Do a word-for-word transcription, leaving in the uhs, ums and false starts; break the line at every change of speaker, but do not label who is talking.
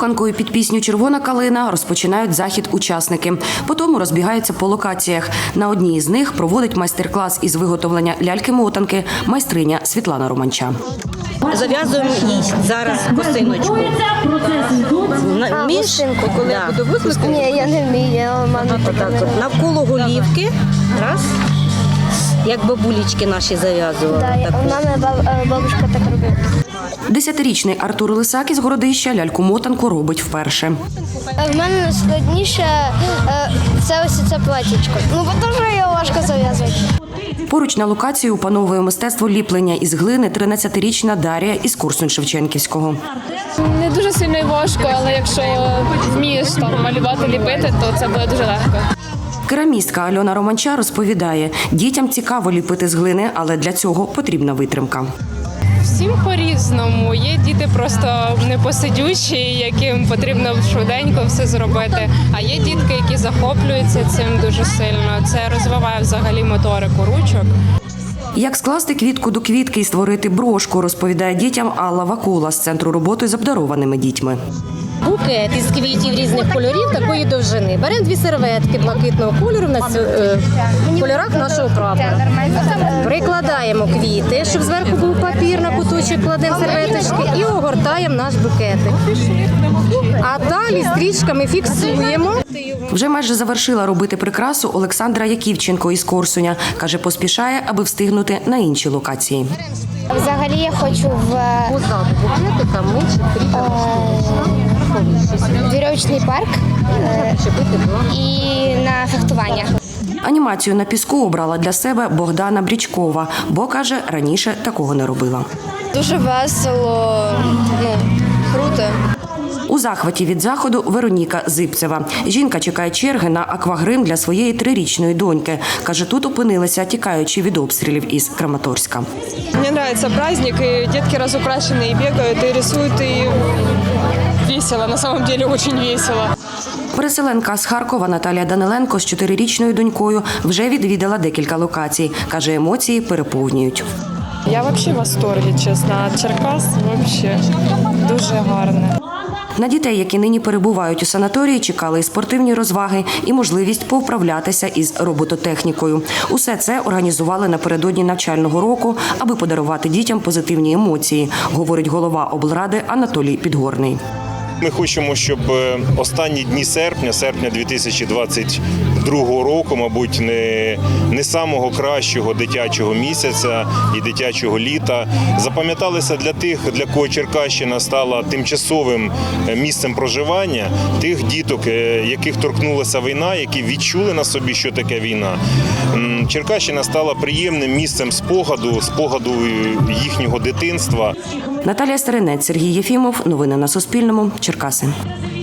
Руханкою під пісню «Червона калина» розпочинають захід учасники. Потім розбігаються по локаціях. На одній із них проводить майстер-клас із виготовлення ляльки-мотанки майстриня Світлана Романча.
Зав'язуємо їй зараз косиночку.
А,
Між,
косинку,
коли я буду викликати.
Ні, я не вмію, я мамі
Отак от, навколо голівки. Раз. Як бабулечки наші зав'язували.
Да,
Так
у
ось.
мене баб- бабушка так робила.
Десятирічний Артур Лисак із Городища ляльку-мотанку робить вперше.
В мене найскладніше е, це ось це платічко. Ну, бо дуже його важко зав'язувати.
Поруч на локації опановує мистецтво ліплення із глини тринадцятирічна Дар'я із Корсунь-Шевченківського.
Не дуже сильно і важко, але якщо вмієш там малювати, ліпити, то це буде дуже легко.
Керамістка Альона Романча розповідає, дітям цікаво ліпити з глини, але для цього потрібна витримка.
Всім по-різному. Є діти просто непосидючі, яким потрібно швиденько все зробити. А є дітки, які захоплюються цим дуже сильно. Це розвиває взагалі моторику ручок.
Як скласти квітку до квітки і створити брошку, розповідає дітям Алла Вакула з Центру роботи з обдарованими дітьми.
Букет із квітів різних кольорів такої довжини. Беремо дві серветки блакитного кольору на е, кольорах нашого прапора. Прикладаємо квіти, щоб зверху був папір, на куточок кладемо серветочки і огортаємо наш букетик. А далі стрічками фіксуємо.
Вже майже завершила робити прикрасу Олександра Яківченко із Корсуня. Каже, поспішає, аби встигнути на інші локації.
Взагалі я хочу в
Позаду букетика ми
е, вірьовочний парк е, і на фехтування.
Анімацію на піску обрала для себе Богдана Брічкова, бо, каже, раніше такого не робила.
Дуже весело, ну, круто.
У захваті від заходу Вероніка Зипцева. Жінка чекає черги на аквагрим для своєї трирічної доньки. Каже, тут опинилися, тікаючи від обстрілів із Краматорська.
Мне нравится праздник, и детки разукрашенные, и бегают, и рисуют, и весело, на самом деле очень весело.
Переселенка з Харкова Наталія Даниленко з чотирирічною донькою вже відвідала декілька локацій. Каже, емоції переповнюють.
Я вообще в восторге, чесно, от Черкас вообще дуже гарне.
На дітей, які нині перебувають у санаторії, чекали і спортивні розваги, і можливість повправлятися із робототехнікою. Усе це організували напередодні навчального року, аби подарувати дітям позитивні емоції, говорить голова облради Анатолій Підгорний.
Ми хочемо, щоб останні дні серпня, серпня дві тисячі двадцять другого року, мабуть, не, не самого кращого дитячого місяця і дитячого літа, запам'яталися для тих, для кого Черкащина стала тимчасовим місцем проживання, тих діток, яких торкнулася війна, які відчули на собі, що таке війна. Черкащина стала приємним місцем спогаду, спогаду їхнього дитинства.
Наталія Старинець, Сергій Єфімов. Новини на Суспільному. Черкаси.